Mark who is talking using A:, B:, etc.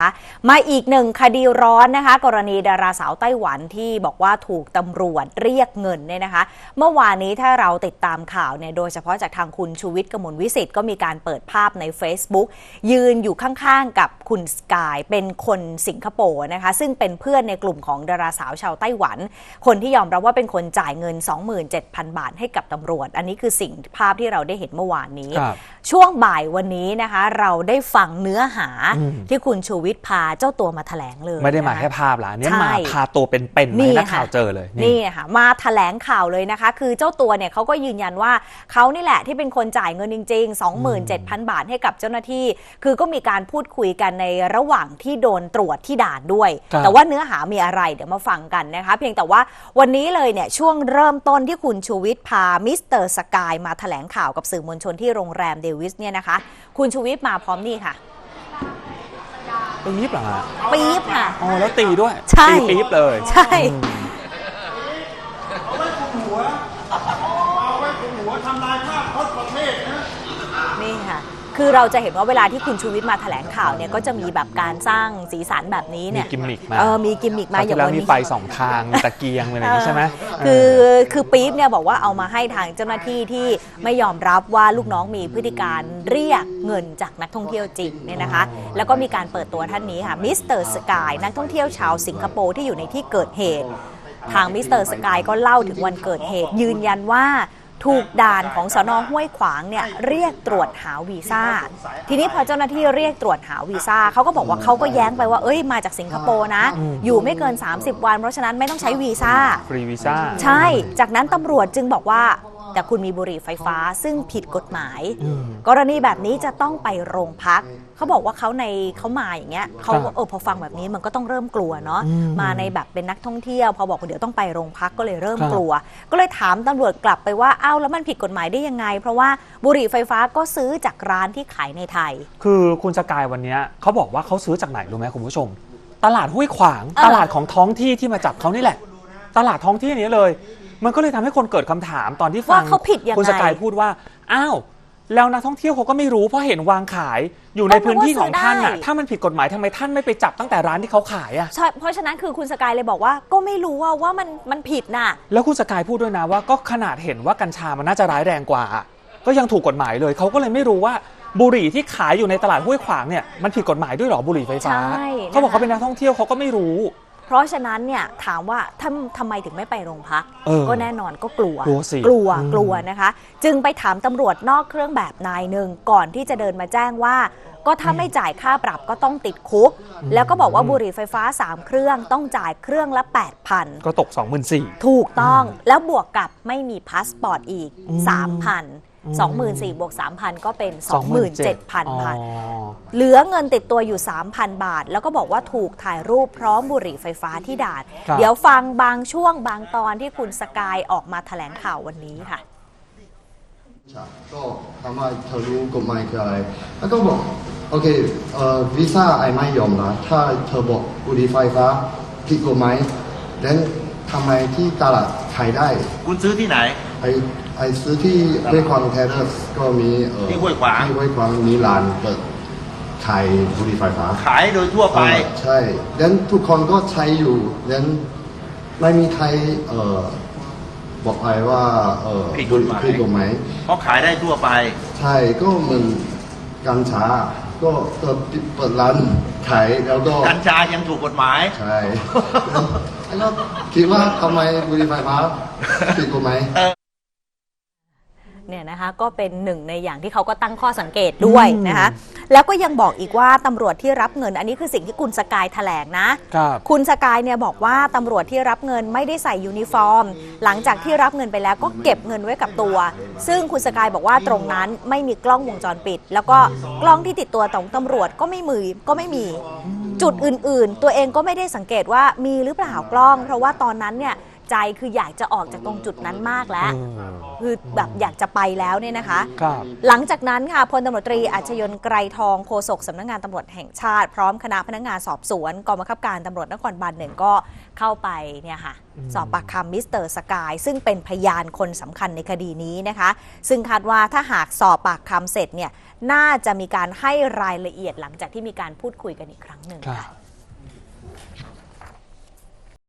A: มาอีกหนึ่งคดีร้อนนะคะกรณีดาราสาวไต้หวันที่บอกว่าถูกตำรวจเรียกเงินเนี่ยนะคะเมื่อวานนี้ถ้าเราติดตามข่าวเนี่ยโดยเฉพาะจากทางคุณชูวิทย์ กมลวิสิทธิ์ก็มีการเปิดภาพใน Facebook ยืนอยู่ข้างๆกับคุณสกายเป็นคนสิงคโปร์นะคะซึ่งเป็นเพื่อนในกลุ่มของดาราสาวชาวไต้หวันคนที่ยอมรับว่าเป็นคนจ่ายเงิน 27,000 บาทให้กับตำรวจอันนี้คือสิ่งภาพที่เราได้เห็นเมื่อวานนี้ช่วงบ่ายวันนี้นะคะเราได้ฟังเนื้อหาที่คุณชูวิทย์พาเจ้าตัวมาแถลงเลย
B: ไม่ได้มาแค่ภาพละเนี่ยมาพาตัวเป็นๆให้นักข่าวเจอเลย
A: นี่ค่ะมาแถลงข่าวเลยนะคะคือเจ้าตัวเนี่ยเขาก็ยืนยันว่าเขานี่แหละที่เป็นคนจ่ายเงินจริงๆ 27,000 บาทให้กับเจ้าหน้าที่คือก็มีการพูดคุยกันในระหว่างที่โดนตรวจที่ด่านด้วยแต่ว่าเนื้อหามีอะไรเดี๋ยวมาฟังกันนะคะเพียงแต่ว่าวันนี้เลยเนี่ยช่วงเริ่มต้นที่คุณชูวิทย์พามิสเตอร์สกายมาแถลงข่าวกับสื่อมวลชนที่โรงแรมเดวิสเนี่ยนะคะคุณชูวิทย์มาพร้อมนี่ค่ะ
B: ปี๊บเหรอฮะ
A: ปี๊บค่ะ
B: อ๋อแล้วตีด้วย
A: ใช่
B: ตีปี๊บเลย
A: ใช่
C: เอาไว้คุมหัวทำลายภาพพจน์ประเทศนะ
A: นี่ค่ะคือเราจะเห็นว่าเวลาที่คุณชูวิทย์มาแถลงข่าวเนี่ยก็จะมีแบบการสร้างสีสันแบบนี้เนี่ย
B: มีกิมมิกมา
A: มีกิมมิกมา
B: อย่างวันนี้มีไฟ2ทางมีตะเกียงอะไรอย่างนี้ใช่ไหม
A: คือปี๊บเนี่ยบอกว่าเอามาให้ทางเจ้าหน้าที่ที่ไม่ยอมรับว่าลูกน้องมีพฤติการเรียกเงินจากนักท่องเที่ยวจริงเนี่ยนะคะแล้วก็มีการเปิดตัวท่านนี้ค่ะมิสเตอร์สกายนักท่องเที่ยวชาวสิงคโปร์ที่อยู่ในที่เกิดเหตุทางมิสเตอร์สกายก็เล่าถึงวันเกิดเหตุยืนยันว่าถูกด่านของสน.ห้วยขวางเนี่ยเรียกตรวจหาวีซ่าทีนี้พอเจ้าหน้าที่เรียกตรวจหาวีซ่าเขาก็บอกว่าเขาก็แย้งไปว่ามาจากสิงคโปร์นะอยู่ไม่เกิน30วันเพราะฉะนั้นไม่ต้องใช้วีซ่า
B: ฟรีวีซ่า
A: ใช่จากนั้นตำรวจจึงบอกว่าแต่คุณมีบุหรี่ไฟฟ้าซึ่งผิดกฎหมายกรณีแบบนี้จะต้องไปโรงพักเขาบอกว่าเขามาอย่างเงี้ยเขาพอฟังแบบนี้มันก็ต้องเริ่มกลัวเนาะมาในแบบเป็นนักท่องเที่ยวพอบอกว่าเดี๋ยวต้องไปโรงพักก็เลยเริ่มกลัวก็เลยถามตำรวจกลับไปว่าอ้าวแล้วมันผิดกฎหมายได้ยังไงเพราะว่าบุหรี่ไฟฟ้าก็ซื้อจากร้านที่ขายในไทย
B: คือคุณสกายวันนี้เขาบอกว่าเขาซื้อจากไหนรู้ไหมคุณผู้ชมตลาดห้วยขวางตลาดของท้องที่ที่มาจับเขานี่แหละตลาดท้องที่นี้เลยมันก็เลยทำให้คนเกิดคำถามตอนที่ฟังคุณสกายพูดว่าอ้าวแล้วนักท่องเที่ยวเขาก็ไม่รู้เพราะเห็นวางขายอยู่ในพื้นที่ของท่านน่ะถ้ามันผิดกฎหมายทำไมท่านไม่ไปจับตั้งแต่ร้านที่เขาขายอ่ะ
A: ใช่เพราะฉะนั้นคือคุณสกายเลยบอกว่าก็ไม่รู้ว่ามันผิดน่ะ
B: แล้วคุณสกายพูดด้วยนะว่าก็ขนาดเห็นว่ากัญชามันน่าจะร้ายแรงกว่าก็ยังถูกกฎหมายเลยเขาก็เลยไม่รู้ว่าบุหรี่ที่ขายอยู่ในตลาดห้วยขวางเนี่ยมันผิดกฎหมายด้วยหรอบุหรี่ไฟฟ้าเขาบอกเขาเป็นนักท่องเที่ยวเขาก็ไม่รู้
A: เพราะฉะนั้นเนี่ยถามว่าทำไมถึงไม่ไปโรงพักก็แน่นอนก็กลัวนะคะจึงไปถามตำรวจนอกเครื่องแบบนายหนึ่งก่อนที่จะเดินมาแจ้งว่าก็ถ้าไม่จ่ายค่าปรับก็ต้องติดคุกแล้วก็บอกว่าบุหรี่ไฟฟ้า3เครื่องต้องจ่ายเครื่องละ 8,000
B: ก็ตก 24,000
A: ถูกต้องแล้วบวกกับไม่มีพาสปอร์ตอีก 3,000 24,000 บวก 3,000 ก็เป็น 27,000 บาทเหลือเงินติดตัวอยู่ 3,000 บาทแล้วก็บอกว่าถูกถ่ายรูปพร้อมบุหรี่ไฟฟ้าที่ด่านเดี๋ยวฟังบางช่วงบางตอนที่คุณสกายออกมาแถลงข่าววันนี้ค่ะ
D: ก็ถามว่าเธอรู้กฎหมายคืออะไรแล้วก็บอกโอเควีซ่าไอไม่ยอมนะถ้าเธอบอกบุหรี่ไฟฟ้าผิดกฎหมายแล้วทำไมที่ตลาดขายได้
C: คุณซื้อที่ไหน
D: ไอซื้อที่ห้วยขวางเทเรสก็มี
C: ที่ห้วยขว
D: างมีร้านเปิดขายบุหรี่ไฟฟ้า
C: ขายโดยทั่วไป
D: ใช่แล้วทุกคนก็ใช้อยู่แล้วไม่มีใครบอกไอ้ว่า
C: ผิดกฎหมายเพราะขายได้ทั่วไป
D: ใช่ก็เหมือนกัญชาก็เปิดร้านขายแล้วก็
C: กัญชายังถูกกฎหมาย
D: ใช่แล้วคิดว่าทำไมบุหรี่ไฟฟ้าผิดกฎหมาย
A: เนี่ยนะคะก็เป็นหนึ่งในอย่างที่เขาก็ตั้งข้อสังเกตด้วยนะคะแล้วก็ยังบอกอีกว่าตำรวจที่รับเงินอันนี้คือสิ่งที่คุณสกายแถลงนะคุณสกายเนี่ยบอกว่าตำรวจที่รับเงินไม่ได้ใส่ยูนิฟอร์มหลังจากที่รับเงินไปแล้วก็เก็บเงินไว้กับตัวซึ่งคุณสกายบอกว่าตรงนั้นไม่มีกล้องวงจรปิดแล้วก็กล้องที่ติดตัวของตำรวจก็ไม่มีจุดอื่นๆตัวเองก็ไม่ได้สังเกตว่ามีหรือเปล่ากล้องเพราะว่าตอนนั้นเนี่ยใจคืออยากจะออกจากตรงจุดนั้นมากแล้วคือแบบอยากจะไปแล้วเนี่ยนะคะ หลังจากนั้นค่ะพลตำรวจตรีอัชยนต์ไกรทองโฆษกสำนักงานตำรวจแห่งชาติพร้อมคณะพนักงานสอบสวนกองบังคับการตำรวจนครบาล 1ก็เข้าไปเนี่ยค่ะสอบปากคำมิสเตอร์สกายซึ่งเป็นพยานคนสำคัญในคดีนี้นะคะซึ่งคาดว่าถ้าหากสอบปากคำเสร็จเนี่ยน่าจะมีการให้รายละเอียดหลังจากที่มีการพูดคุยกันอีกครั้งหนึ่งค่ะ